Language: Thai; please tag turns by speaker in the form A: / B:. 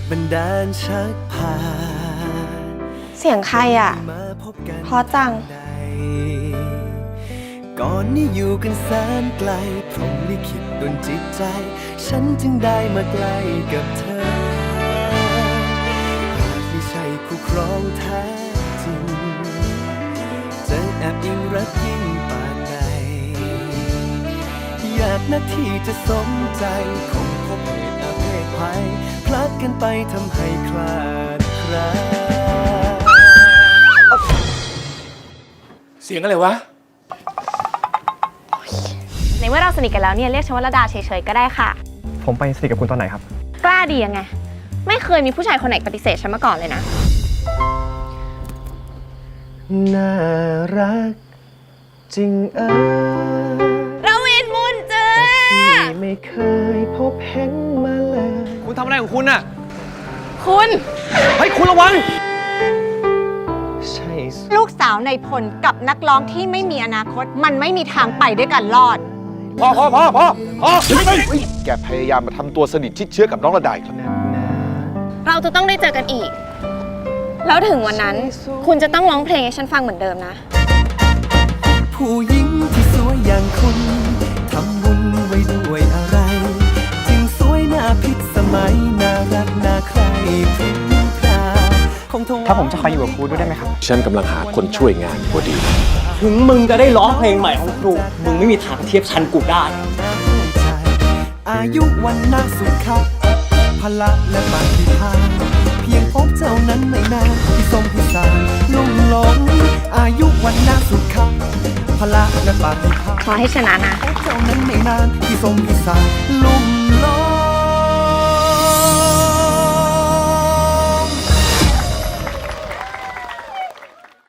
A: บันดาลชักพา
B: เสียงใครอ่ะเพราะจัง
A: ก่อนนี้อยู่กันแสนไกลพรหมลิขิตดลจิตใจ ฉันจึงได้มาใกล้กับเธอหากไม่ใช่คู่ครองแท้จริงจะแอบอิงรักยิ่งป่านใดอยากนาทีจะสมใจคงพบเหตุอาเพศภัยพลัดกันไปทำให้คลาดคลา
C: เสียงอะไรวะ
B: ในเมื่อเราสนิทกันแล้วเนี่ยเรียกฉันว่าระดาเฉยๆก็ได้ค่ะ
D: ผมไปสนิทกับคุณตอนไหนครับ
B: กล้าดียังไง ไม่เคยมีผู้ชายคนไหนปฏิเสธฉันมาก่อนเลยนะ
A: น่ารักจริง
B: ระวินบุญเจอ
A: ที่ไม่เคยพบเห็นมาเลย
D: คุณทำอะไรของคุณน่ะ
B: คุณ
D: เฮ้ย คุณระวัง
A: ใช่สิ
E: ลูกสาวในพลกับนักร้องที่ไม่มีอนาคต มันไม่มีทางไปด้วยกันรอด
D: พอ
F: แกพยายามมาทำตัวสนิทชิดเชื้อกับน้องระดาอีกแล้ว
B: เราจะต้องได้เจอกันอีก แล้วถึงวันนั้น คุณจะต้องร้องเพลงให้ฉันฟังเหมือนเดิมนะ
A: ผู้หญิงที่สวยอย่างคุณทำบุญไว้ด้วยอะไร จึงสวยน่าพิษสมัยน่ารักน่าใครพริ้งพราวคงทว่า
D: ถ้าผมจะคอยอยู่กับครูด้วยได้ไหมครับ
F: ฉันกำลังหาคนช่วยงานพอดี
G: ถึงมึงจะได้ร้องเพลงใหม่ของครู มึงไม่มีทางเทียบชั้นกูได้
A: อายุวันนาสุขะพละและปฏิภาณเพียงพบเจ้านั้นไม่นานที่ทรงพิสารลุ่มหลงอายุวันนาสุขะพละและปฏิภาณ
B: ขอให้ชนะนะ
A: พบเจ้านั้นไม่นานที่ทรงพิสารลุ่ม